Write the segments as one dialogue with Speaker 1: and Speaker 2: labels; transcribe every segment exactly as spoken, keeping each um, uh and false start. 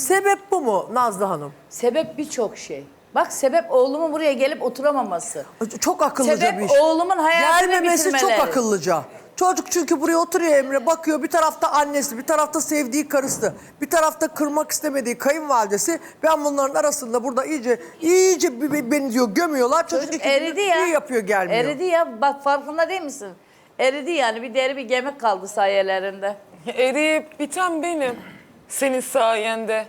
Speaker 1: Sebep bu mu Nazlı Hanım?
Speaker 2: Sebep birçok şey. Bak sebep oğlumun buraya gelip oturamaması.
Speaker 1: Çok akıllıca
Speaker 2: Sebep
Speaker 1: bir iş.
Speaker 2: oğlumun hayatını
Speaker 1: Gelmemesi çok
Speaker 2: bitirmeleri.
Speaker 1: akıllıca. Çocuk çünkü buraya oturuyor Emre, bakıyor bir tarafta annesi, bir tarafta sevdiği karısı, bir tarafta kırmak istemediği kayınvalidesi. Ben bunların arasında burada iyice iyice b- b- beni diyor gömüyorlar. Çocuk,
Speaker 2: Çocuk
Speaker 1: iki
Speaker 2: eridi
Speaker 1: gündür
Speaker 2: ya.
Speaker 1: iyi yapıyor gelmiyor.
Speaker 2: Eridi ya. Bak farkında değil misin? Eridi yani. Bir deri bir gemik kaldı sayelerinde.
Speaker 3: Eriyip biten benim. Senin sayende.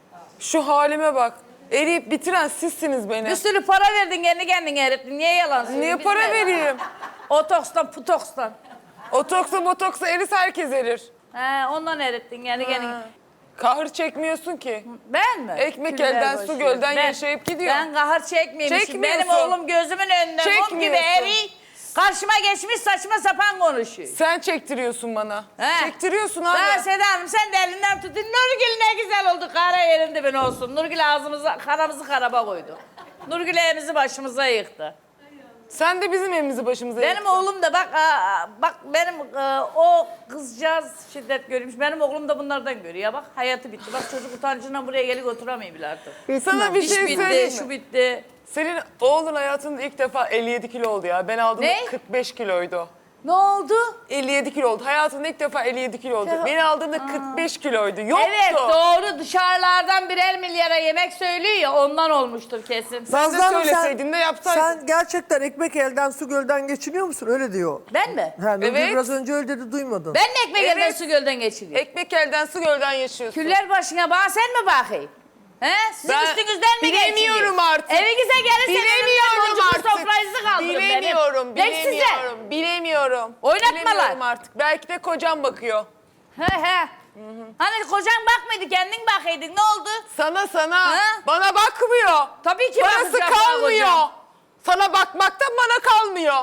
Speaker 3: Şu halime bak. Eriyip bitiren sizsiniz beni.
Speaker 2: Bir sürü para verdin kendi kendine erittin. Niye yalan söylüyorsun?
Speaker 3: Niye
Speaker 2: Biz
Speaker 3: para
Speaker 2: de-
Speaker 3: vereyim?
Speaker 2: Otokstan putokstan.
Speaker 3: Otoksa botoksa eris herkes erir.
Speaker 2: He, ondan erittin kendi kendine.
Speaker 3: Kahır çekmiyorsun ki.
Speaker 2: Ben mi?
Speaker 3: Ekmek
Speaker 2: Küller
Speaker 3: elden,
Speaker 2: boş
Speaker 3: su
Speaker 2: ver.
Speaker 3: gölden
Speaker 2: Ben-
Speaker 3: yaşayıp gidiyor.
Speaker 2: Ben kahır çekmeymişim. Benim
Speaker 3: Çekmiyorsun.
Speaker 2: oğlum gözümün önünde mum gibi
Speaker 3: Çekmiyorsun.
Speaker 2: eri. Karşıma geçmiş saçma sapan konuşuyor.
Speaker 3: Sen çektiriyorsun bana.
Speaker 2: He.
Speaker 3: Çektiriyorsun abi.
Speaker 2: Daha Seda Hanım sen de elinden tutun. Nurgül ne güzel oldu. Kara yerinde ben olsun. Nurgül ağzımıza, karamızı karaba koydu. Nurgül evimizi başımıza yıktı.
Speaker 3: Sen de bizim evimizi başımıza
Speaker 2: Benim
Speaker 3: yıktın.
Speaker 2: oğlum da bak aa, bak benim e, o kızcağız şiddet görmüş. Benim oğlum da bunlardan görüyor. Bak hayatı bitti. Bak çocuk utancından buraya gelip oturamıyor bile artık.
Speaker 3: Sana bir
Speaker 2: İş
Speaker 3: şey
Speaker 2: bitti,
Speaker 3: söyleyeyim
Speaker 2: şu
Speaker 3: mi?
Speaker 2: bitti.
Speaker 3: Senin oğlun hayatında ilk defa elli yedi kilo oldu ya. Ben aldığımda
Speaker 2: Ne?
Speaker 3: kırk beş kiloydu.
Speaker 2: Ne oldu?
Speaker 3: elli yedi kilo oldu. Hayatında ilk defa elli yedi kilo oldu. Beni aldığımda kırk beş kiloydu. Yoktu.
Speaker 2: Evet doğru dışarılardan birer milyara yemek söylüyor ya ondan olmuştur kesin.
Speaker 3: Sen de
Speaker 1: Nazlı Hanım,
Speaker 3: söyleseydin de yapsaydın.
Speaker 1: Sen gerçekten ekmek elden su gölden geçiniyor musun? Öyle diyor.
Speaker 2: Ben mi?
Speaker 1: Ha, Nurgül
Speaker 3: Evet.
Speaker 1: biraz önce öyle dedi duymadın.
Speaker 2: Ben mi ekmek
Speaker 3: Evet.
Speaker 2: elden su gölden geçiriyorum?
Speaker 3: Ekmek elden su gölden yaşıyorsun.
Speaker 2: Küller başına bana sen mi bakayım? He? Sizin
Speaker 3: Ben
Speaker 2: üstünüzden mi geçiriyor?
Speaker 3: bilemiyorum artık.
Speaker 2: Evinize gelirseniz
Speaker 3: Bilemiyorum
Speaker 2: boncuklu
Speaker 3: artık.
Speaker 2: sofranızı kaldırın
Speaker 3: Bilemiyorum,
Speaker 2: benim. Tek size.
Speaker 3: bilemiyorum, bilemiyorum.
Speaker 2: Oynatmalar.
Speaker 3: Bilemiyorum artık. Belki de kocam bakıyor.
Speaker 2: He he. Hani kocan bakmıyordu kendin bakıydın ne oldu?
Speaker 3: Sana sana.
Speaker 2: Ha?
Speaker 3: Bana bakmıyor.
Speaker 2: Tabii ki
Speaker 3: Parası
Speaker 2: bakacak bana
Speaker 3: kalmıyor.
Speaker 2: kocam.
Speaker 3: Sana bakmaktan bana kalmıyor.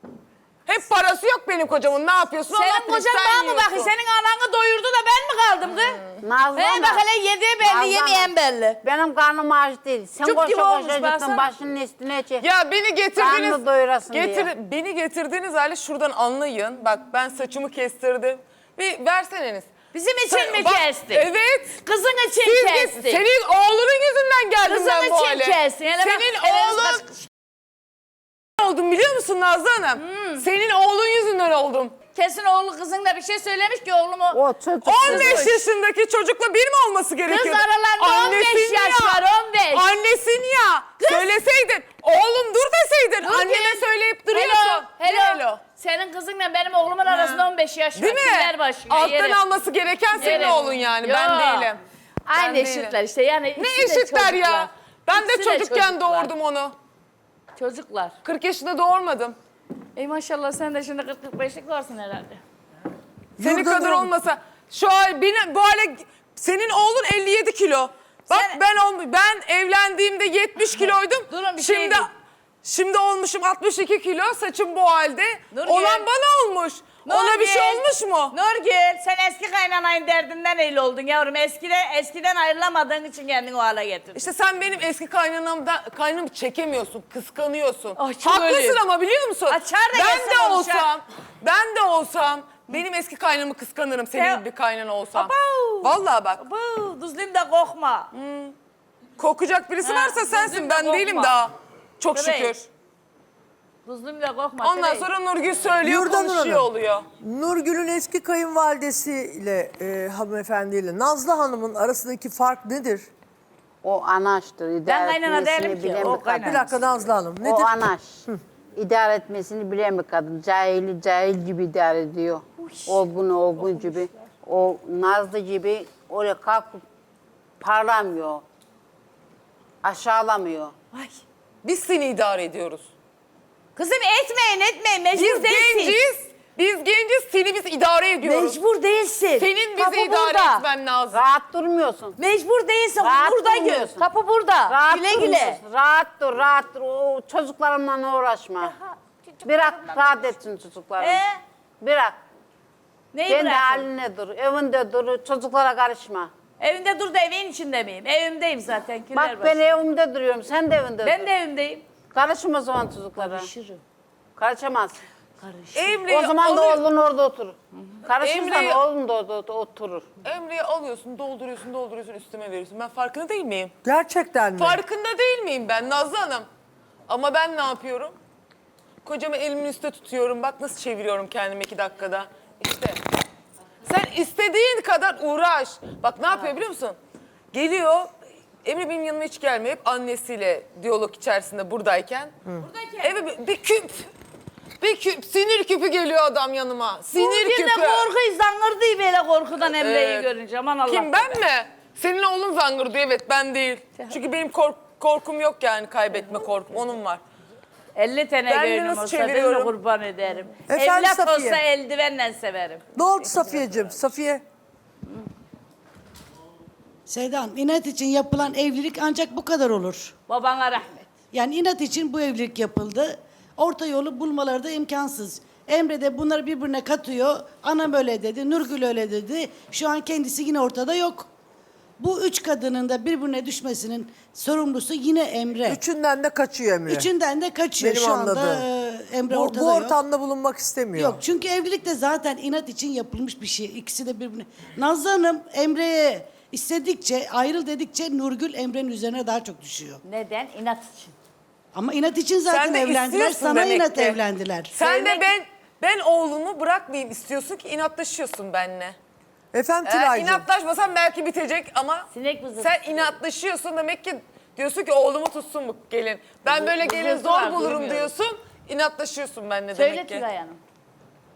Speaker 3: Hep parası yok benim kocamın. Ne yapıyorsun? Allah
Speaker 2: Senin
Speaker 3: bilir,
Speaker 2: kocan
Speaker 3: sen
Speaker 2: bana mı
Speaker 3: yiyorsun.
Speaker 2: bakıyor? Senin ananı doyurdu da ben mi kaldım kız?
Speaker 4: Nazlı
Speaker 2: He
Speaker 4: Hanım.
Speaker 2: bak hele yediği belli
Speaker 4: Nazlı
Speaker 2: yemeyen
Speaker 4: Hanım,
Speaker 2: belli.
Speaker 4: Benim karnım aç değil. Sen
Speaker 2: Cüp
Speaker 4: koşa
Speaker 2: gibi olmuş
Speaker 4: koşa
Speaker 2: baksana.
Speaker 4: gittin başının üstüne çek.
Speaker 3: Ya beni getirdiniz.
Speaker 4: Karnını doyurasın
Speaker 3: getir,
Speaker 4: diye.
Speaker 3: Beni getirdiğiniz hali şuradan anlayın. Bak ben saçımı kestirdim. Bir verseniz.
Speaker 2: Bizim için
Speaker 3: Sen-
Speaker 2: mi
Speaker 3: bak,
Speaker 2: kestin?
Speaker 3: Evet.
Speaker 2: Kızın için
Speaker 3: Siz git-
Speaker 2: kestin.
Speaker 3: Senin oğlunun yüzünden geldim
Speaker 2: Kızın
Speaker 3: ben bu
Speaker 2: için
Speaker 3: hale.
Speaker 2: kestin. Hele bak,
Speaker 3: Senin
Speaker 2: eliniz
Speaker 3: oğlun
Speaker 2: baş-
Speaker 3: oldum biliyor musun Nazlı Hanım? Senin oğlun yüzünden oldum.
Speaker 2: Kesin oğlu kızınla bir şey söylemiş ki oğlumu.
Speaker 4: O çocuk.
Speaker 3: on beş yaşındaki çocukla bir mi olması gerekiyor?
Speaker 2: aralarında on beş yaş var, on beş.
Speaker 3: Annesin ya. Söyleseydin. Oğlum dur deseydin.
Speaker 2: Dur
Speaker 3: Anneme
Speaker 2: ki.
Speaker 3: söyleyip duruyorsun.
Speaker 2: Hello,
Speaker 3: Ne
Speaker 2: hello. Senin kızınla benim oğlumun arasında on beş yaş var.
Speaker 3: Değil mi?
Speaker 2: Küller başına,
Speaker 3: Alttan
Speaker 2: yerim.
Speaker 3: alması gereken senin
Speaker 2: Yerim.
Speaker 3: oğlun yani.
Speaker 2: Yo.
Speaker 3: Ben değilim.
Speaker 2: Aynı
Speaker 3: Ben
Speaker 2: eşitler
Speaker 3: değilim.
Speaker 2: işte yani.
Speaker 3: Ne
Speaker 2: ikisi de
Speaker 3: eşitler ya?
Speaker 2: çocuklar.
Speaker 3: Ben de
Speaker 2: İkisi de
Speaker 3: çocukken
Speaker 2: çocuklar.
Speaker 3: doğurdum onu.
Speaker 2: Çocuklar.
Speaker 3: kırk yaşında doğurmadım.
Speaker 2: Ey maşallah sen de şimdi kırk kırk beşlik varsın herhalde.
Speaker 3: Senin
Speaker 1: Yurda
Speaker 3: kadar
Speaker 1: durun.
Speaker 3: olmasa şu an beni, bu hale senin oğlun elli yedi kilo. Bak
Speaker 2: Sen-
Speaker 3: ben ol- ben evlendiğimde yetmiş kiloydum.
Speaker 2: Durun, bir şey
Speaker 3: şimdi
Speaker 2: değil.
Speaker 3: şimdi olmuşum altmış iki kilo. Saçım bu halde.
Speaker 2: Nurgül.
Speaker 3: Olan bana olmuş. Ona bir şey
Speaker 2: Nurgül.
Speaker 3: olmuş mu?
Speaker 2: Nurgül sen eski kaynanayın derdinden öyle oldun yavrum. Eskiden, eskiden ayrılamadığın için kendini o hale getirdin.
Speaker 3: İşte sen benim eski kaynanamdan kaynamı çekemiyorsun, kıskanıyorsun.
Speaker 2: Ay, çok
Speaker 3: Haklısın
Speaker 2: öyleyim.
Speaker 3: ama biliyor musun?
Speaker 2: Açar da
Speaker 3: ben
Speaker 2: gelsin
Speaker 3: de
Speaker 2: konuşar.
Speaker 3: olsam, ben de olsam benim eski kaynamı kıskanırım senin
Speaker 2: Ya-
Speaker 3: gibi bir kaynana olsam.
Speaker 2: Abav.
Speaker 3: Vallahi bak.
Speaker 2: Bu düzlüğüm de kokma.
Speaker 3: Kokacak birisi
Speaker 2: Ha,
Speaker 3: varsa sensin.
Speaker 2: gözüm de
Speaker 3: Ben değilim
Speaker 2: korkma.
Speaker 3: daha. Çok
Speaker 2: Tabii.
Speaker 3: şükür.
Speaker 2: Düzlüğüm de kokma.
Speaker 3: Ondan
Speaker 2: tabii.
Speaker 3: sonra Nurgül söylüyor,
Speaker 1: Yurda Nur
Speaker 3: konuşuyor
Speaker 1: Hanım.
Speaker 3: oluyor.
Speaker 1: Nurgül'ün eski kayınvalidesiyle e, hanımefendiyle Nazlı Hanım'ın arasındaki fark nedir?
Speaker 4: O anaçtır.
Speaker 2: Ben
Speaker 4: İdare
Speaker 2: kaynana
Speaker 4: etmesini
Speaker 2: değilim ki,
Speaker 4: bilen
Speaker 2: o
Speaker 4: bir
Speaker 2: kaynana.
Speaker 4: kadın.
Speaker 1: Bir dakika Nazlı Hanım nedir?
Speaker 4: O anaç. İdare etmesini bilen bir kadın. Cahili cahil gibi idare ediyor. Olgun olgun gibi. O Nazlı gibi oraya kalkıp parlamıyor. Aşağılamıyor.
Speaker 2: Ay.
Speaker 3: Biz seni idare ediyoruz.
Speaker 2: Kızım etmeyin etmeyin
Speaker 3: Biz
Speaker 2: mecbur değilsin.
Speaker 3: genciz. Biz genciz. Seni biz idare ediyoruz.
Speaker 2: Mecbur değilsin.
Speaker 3: Senin bizi
Speaker 2: Kapı
Speaker 3: idare
Speaker 2: burada.
Speaker 3: etmen lazım.
Speaker 4: Rahat durmuyorsun.
Speaker 2: Mecbur değilsin.
Speaker 4: Rahat
Speaker 2: burada gör.
Speaker 4: durmuyorsun.
Speaker 2: Kapı burada.
Speaker 4: Rahat
Speaker 2: güle güle.
Speaker 4: durmuyorsun. Rahat dur, rahat dur. O çocuklarımla uğraşma. Bırak rahat etsin çocuklarım.
Speaker 2: Ee?
Speaker 4: Bırak.
Speaker 2: Neyi
Speaker 4: Kendi
Speaker 2: bırakın?
Speaker 4: haline dur, evinde dur, çocuklara karışma.
Speaker 2: Evinde dur da evin içinde miyim? Evimdeyim zaten. Küller
Speaker 4: Bak ben evimde duruyorum, sen de evinde
Speaker 2: Ben
Speaker 4: dur.
Speaker 2: de evimdeyim.
Speaker 4: Karışma o zaman çocuklara.
Speaker 2: Karışırım.
Speaker 4: Karışamazsın.
Speaker 3: Emre'yi
Speaker 4: O zaman da
Speaker 3: alıyor-
Speaker 4: oğlun orada oturur. Karışırsan
Speaker 3: Emre'yi-
Speaker 4: oğlun da orada oturur.
Speaker 3: Emre'yi alıyorsun, dolduruyorsun, dolduruyorsun, üstüme veriyorsun. Ben farkında değil miyim?
Speaker 1: Gerçekten mi?
Speaker 3: Farkında değil miyim ben Nazlı Hanım? Ama ben ne yapıyorum? Kocamı elimin üstte tutuyorum. Bak nasıl çeviriyorum kendimi iki dakikada. İşte. Sen istediğin kadar uğraş. Bak ne yapıyor biliyor musun? Geliyor. Emre benim yanıma hiç gelmiyor. Hep annesiyle diyalog içerisinde buradayken. Buradayken. Eve bir, bir küp. Bir küp. Sinir küpü geliyor adam yanıma. Sinir
Speaker 2: Bugün de
Speaker 3: küpü.
Speaker 2: korkuyu zangırdı böyle korkudan Emre'yi
Speaker 3: Evet.
Speaker 2: görünce. Aman Allah.
Speaker 3: Kim ben mi? Senin oğlun zangır diyor, evet ben değil. Çünkü benim kork korkum yok yani, kaybetme korkum, onun var.
Speaker 2: elli tane
Speaker 3: Ben de
Speaker 2: göğnüm
Speaker 3: nasıl
Speaker 2: olsa ben de
Speaker 3: çeviriyorum?
Speaker 2: kurban ederim.
Speaker 1: Efendim
Speaker 2: Evlat
Speaker 1: Safiye?
Speaker 2: olsa eldivenle severim.
Speaker 1: Ne oldu Safiye'cim? Safiye.
Speaker 5: Seda Hanım, inat için yapılan evlilik ancak bu kadar olur.
Speaker 2: Babana rahmet.
Speaker 5: Yani inat için bu evlilik yapıldı. Orta yolu bulmaları da imkansız. Emre de bunları birbirine katıyor. Anam öyle dedi, Nurgül öyle dedi. Şu an kendisi yine ortada yok. Bu üç kadının da birbirine düşmesinin sorumlusu yine Emre.
Speaker 1: Üçünden de kaçıyor Emre.
Speaker 5: Üçünden de kaçıyor.
Speaker 1: Benim
Speaker 5: Şu anda
Speaker 1: anladığım.
Speaker 5: e, Emre
Speaker 1: bu,
Speaker 5: ortada
Speaker 1: bu
Speaker 5: yok.
Speaker 1: ortamda bulunmak istemiyor.
Speaker 5: Yok çünkü evlilik de zaten inat için yapılmış bir şey. İkisi de birbirine. Nazlı Hanım Emre'ye istedikçe, ayrıl dedikçe Nurgül Emre'nin üzerine daha çok düşüyor.
Speaker 2: Neden? İnat için.
Speaker 5: Ama inat için zaten
Speaker 3: Sen de
Speaker 5: evlendiler.
Speaker 3: istiyorsun
Speaker 5: Sana
Speaker 3: demek
Speaker 5: inat
Speaker 3: ki.
Speaker 5: evlendiler.
Speaker 3: Sen
Speaker 2: Sevmek-
Speaker 3: de ben ben oğlumu bırakmayayım istiyorsun ki inatlaşıyorsun benimle.
Speaker 1: Efendim
Speaker 3: Eğer
Speaker 1: Tülay'cığım.
Speaker 3: inatlaşmasan belki bitecek ama
Speaker 2: Sinek vızıltısı.
Speaker 3: sen inatlaşıyorsun demek ki diyorsun ki oğlumu tutsun bu gelin. Ben
Speaker 2: Vızı-
Speaker 3: böyle gelin
Speaker 2: vızıltı
Speaker 3: zor
Speaker 2: var,
Speaker 3: bulurum
Speaker 2: duymuyorum.
Speaker 3: diyorsun, inatlaşıyorsun benimle
Speaker 2: Söyle
Speaker 3: demek ki.
Speaker 2: Tülay Hanım.